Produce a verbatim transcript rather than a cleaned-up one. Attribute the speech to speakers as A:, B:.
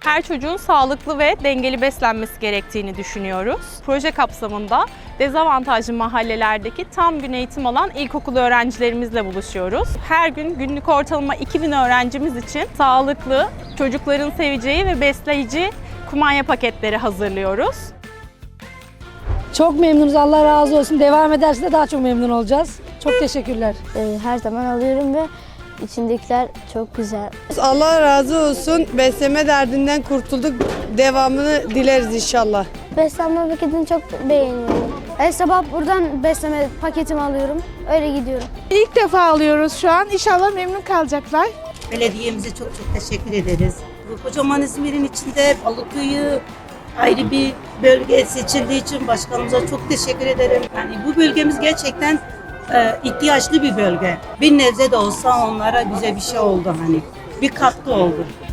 A: Her çocuğun sağlıklı ve dengeli beslenmesi gerektiğini düşünüyoruz. Proje kapsamında dezavantajlı mahallelerdeki tam gün eğitim alan ilkokul öğrencilerimizle buluşuyoruz. Her gün günlük ortalama iki bin öğrencimiz için sağlıklı, çocukların seveceği ve besleyici kumanya paketleri hazırlıyoruz.
B: Çok memnunuz, Allah razı olsun. Devam ederse de daha çok memnun olacağız. Çok teşekkürler.
C: Her zaman alıyorum ve içindekiler çok güzel.
D: Allah razı olsun. Besleme derdinden kurtulduk. Devamını dileriz inşallah.
C: Beslenme paketini çok beğeniyorum. Her sabah buradan besleme paketimi alıyorum. Öyle gidiyorum.
E: İlk defa alıyoruz şu an. İnşallah memnun kalacaklar.
F: Belediyemize çok çok teşekkür ederiz. Bu kocaman İzmir'in içinde Balıköy'ü ayrı bir bölge seçildiği için başkanımıza çok teşekkür ederim. Yani bu bölgemiz gerçekten e, ihtiyaçlı bir bölge. Bir nebze de olsa onlara güzel bir şey oldu hani. Bir katkı oldu.